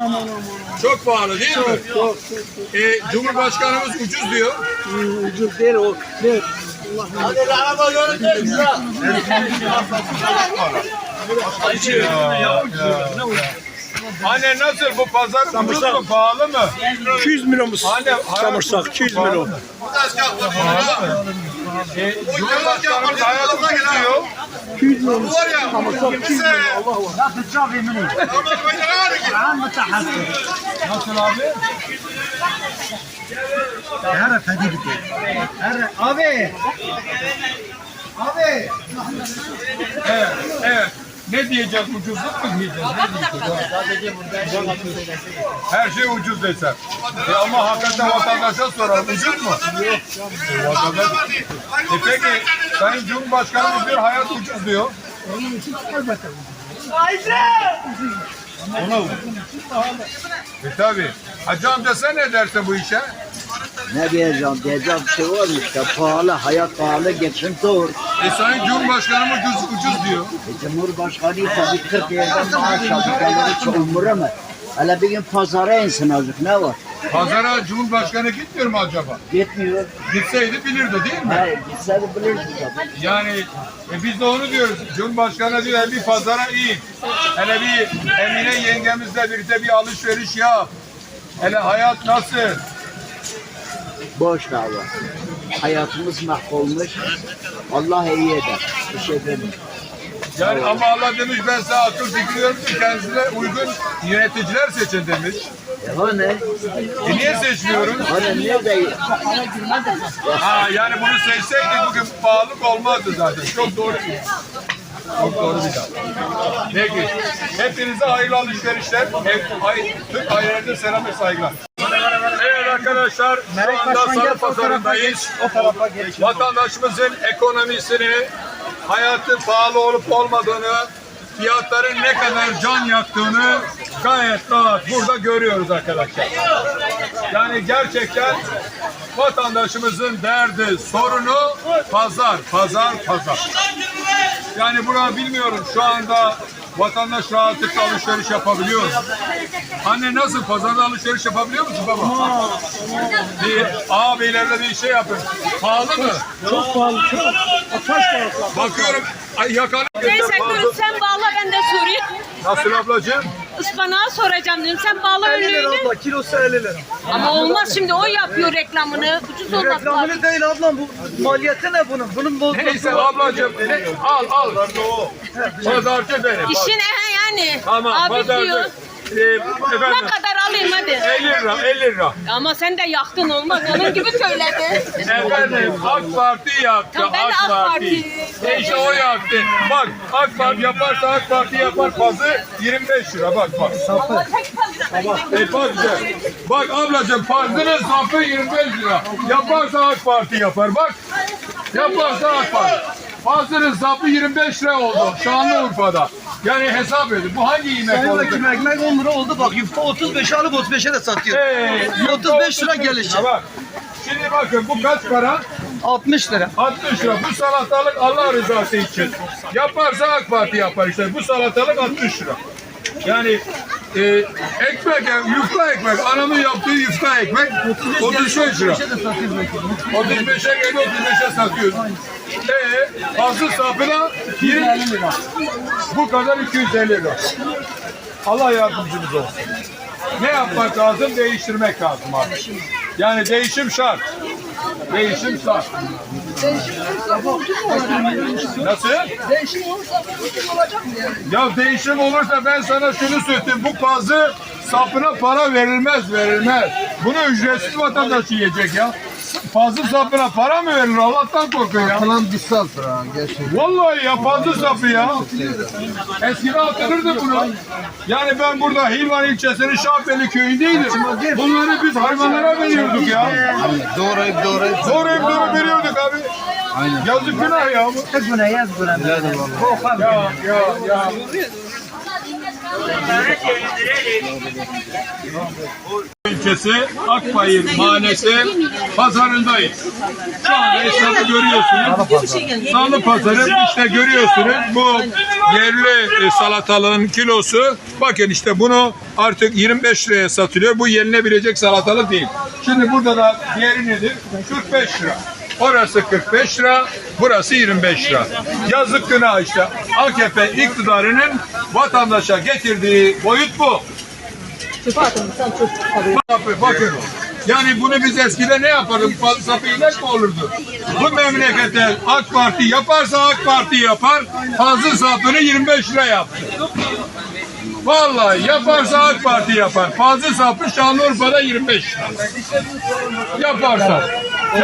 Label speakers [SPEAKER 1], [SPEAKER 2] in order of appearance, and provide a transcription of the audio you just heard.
[SPEAKER 1] Çok pahalı değil mi?
[SPEAKER 2] Çok.
[SPEAKER 1] Cumhurbaşkanımız ucuz diyor.
[SPEAKER 2] Ucuz değil o. Ne?
[SPEAKER 3] Hadi araba göreceğiz.
[SPEAKER 1] Anne nasıl bu pazar ucuz mu pahalı mı?
[SPEAKER 2] 200 milyonumuz.
[SPEAKER 1] Anne
[SPEAKER 2] Samırsak 200 milyon.
[SPEAKER 1] Cumhurbaşkanımız hayat ucuz diyor.
[SPEAKER 2] 200 milyon. Samırsak 200 milyon. Allah var.
[SPEAKER 1] Nasıl abi?
[SPEAKER 3] Abi.
[SPEAKER 1] Evet. Ne diyeceğiz? Ucuzluk mu diyeceğiz? Ne diyeceğiz? Her şey ucuz desem. Ama hakikaten vatandaşa soralım. Ucuz mu? Vatandaş. Peki Sayın Cumhurbaşkanımız diyor hayat ucuz diyor. Ona ucuz. Tabii. Hacı amca sen ne dersin bu işe?
[SPEAKER 4] Ne diyeceğim? Diyeceğim bir şey var mı işte? Pahalı, hayat pahalı, geçim zor.
[SPEAKER 1] Sayın Cumhurbaşkanımız ucuz diyor.
[SPEAKER 4] Cumhurbaşkanı tabii 40 yerden maaş aldı. Kendini çok umuru mu? Hele bir gün pazara insin azıcık. Ne var?
[SPEAKER 1] Pazara Cumhurbaşkanı gitmiyor mu acaba?
[SPEAKER 4] Gitmiyor.
[SPEAKER 1] Gitseydi bilirdi değil mi?
[SPEAKER 4] Hayır, gitse de bilirdi tabii.
[SPEAKER 1] Yani biz de onu diyoruz. Cumhurbaşkanı diyor bir pazara in. Hele bir Emine yengemizle birlikte bir alışveriş yap. Hele hayat nasıl?
[SPEAKER 4] Boş dava. Hayatımız mahvolmuş. Allah iyi eder. Bir şey demiyorum.
[SPEAKER 1] Yani ama Allah demiş ben size akıl fikir veriyorum ki kendisine uygun yöneticiler seçin demiş.
[SPEAKER 4] O ne?
[SPEAKER 1] Niye seçmiyoruz?
[SPEAKER 4] Hani niye değil?
[SPEAKER 1] Yani bunu seçseydik bugün pahalılık olmazdı zaten. Çok doğru. Çok doğru bir laf. Peki. Hepinize hayırlı alışverişler. Tüm ailelerde selam ve saygılar. Evet arkadaşlar, şu anda Salı Pazarı'ndayız. Vatandaşımızın ekonomisini, hayatın pahalı olup olmadığını, fiyatların ne kadar can yaktığını gayet rahat burada görüyoruz arkadaşlar. Yani gerçekten vatandaşımızın derdi, sorunu pazar. Yani buna bilmiyorum şu anda vatandaş rahatlıkla alışveriş yapabiliyor mu? Anne nasıl pazarda alışveriş yapabiliyor musun baba? Bir ağabeylerle bir şey yapın. Pahalı mı?
[SPEAKER 2] Çok pahalı. Çok. Kaç para?
[SPEAKER 1] Bakıyorum yakanı.
[SPEAKER 5] Neyse dur sen bağla ben de sorayım.
[SPEAKER 1] Nasıl ablacığım?
[SPEAKER 5] Ispanağı soracağım dedim. Sen bağla
[SPEAKER 2] 50 lira
[SPEAKER 5] önlüğünü.
[SPEAKER 2] abla. Kilosu 50 lira.
[SPEAKER 5] Ama olmaz şimdi o yapıyor reklamını. Ucuz olmaz.
[SPEAKER 2] Reklamını değil ablam. Bu maliyeti ne bunun? Bunun bozması
[SPEAKER 1] Neyse
[SPEAKER 2] var.
[SPEAKER 1] ablacığım al. Pazarcı benim.
[SPEAKER 5] İşin yani.
[SPEAKER 1] Tamam
[SPEAKER 5] Abi
[SPEAKER 1] pazarcı.
[SPEAKER 5] diyor. Ne
[SPEAKER 1] Efendim
[SPEAKER 5] kadar alayım hadi.
[SPEAKER 1] 50 lira.
[SPEAKER 5] Ama sen de yaktın olmaz. Onun gibi söyledi.
[SPEAKER 1] Efendim AK Parti yaktı.
[SPEAKER 5] Tamam, ben de AK Parti.
[SPEAKER 1] İşte o yaktı. Bak AK Parti yaparsa AK Parti yapar pazı 25 lira bak.
[SPEAKER 5] Ama tek fazla.
[SPEAKER 1] Bak güzel. Bak ablacığım pazının sapı 25 lira. Yaparsa AK Parti yapar bak. Yaparsa AK Parti. Pazının sapı 25 lira oldu Şanlıurfa'da. Yani hesap edin. Bu hangi yemek
[SPEAKER 2] Sayın
[SPEAKER 1] oldu?
[SPEAKER 2] Vekilim ekmek 10 lira oldu bak. Yufka 35 alıp 35'e de satıyor. 35 lira gelişi.
[SPEAKER 1] Bak. Şimdi bakın bu kaç para?
[SPEAKER 2] 60 lira.
[SPEAKER 1] 60 lira. Bu salatalık Allah rızası için. Yaparsa AK Parti yapar işte. Bu salatalık 60 lira. Yani ekmek, yufka ekmek. Anamın yaptığı yufka ekmek 35 lira. 35'e geliyor, 35'e satıyoruz. Fazla sapına 20 lira. Bu kadar 250 lira. Allah yardımcımız olsun. Ne yapmak lazım? Değiştirmek lazım abi. Yani değişim şart. Değişim şart. Nasıl?
[SPEAKER 2] Değişim olursa ucuz olacak mı yani?
[SPEAKER 1] Ya değişim olursa ben sana şunu söyleyeyim. Bu pazı sapına para verilmez. Bunu ücretsiz vatandaş yiyecek ya. Fazla sapına para mı verilir? Allah'tan korkun ya.
[SPEAKER 6] Falan bir sıfır ha gerçekten.
[SPEAKER 1] Vallahi ya fazla sapı ya. Eskiden atılırdı bunu. Yani ben burada Hilvan ilçesinin Şahbeli köyündeydim. Bunları biz hayvanlara veriyorduk ya.
[SPEAKER 6] Doğrayıp
[SPEAKER 1] Doğrayıp veriyorduk abi.
[SPEAKER 6] Aynen.
[SPEAKER 1] Yazık günah ya.
[SPEAKER 2] Tek güne yaz güne.
[SPEAKER 1] Ya. İlçesi Akbayır Mahallesi pazarındayız. Şu anda esnafı görüyorsunuz. Salı pazarı işte görüyorsunuz. Bu yerli salatalığın kilosu. Bakın işte bunu artık 25 liraya satılıyor. Bu yenilebilecek salatalık değil. Şimdi burada da diğeri nedir? 45 lira. Orası 45 lira, burası 25 lira. Yazık günah işte. AKP iktidarının vatandaşa getirdiği boyut bu. Bakın. Yani bunu biz eskiden ne yapardık? Falsafa inek mi olurdu? Bu memlekete AK Parti yaparsa AK Parti yapar. Fazla sapını 25 lira yaptı. Vallahi yaparsa AK Parti yapar. Fazla sapı Şanlıurfa'da 25 lira. Yaparsa.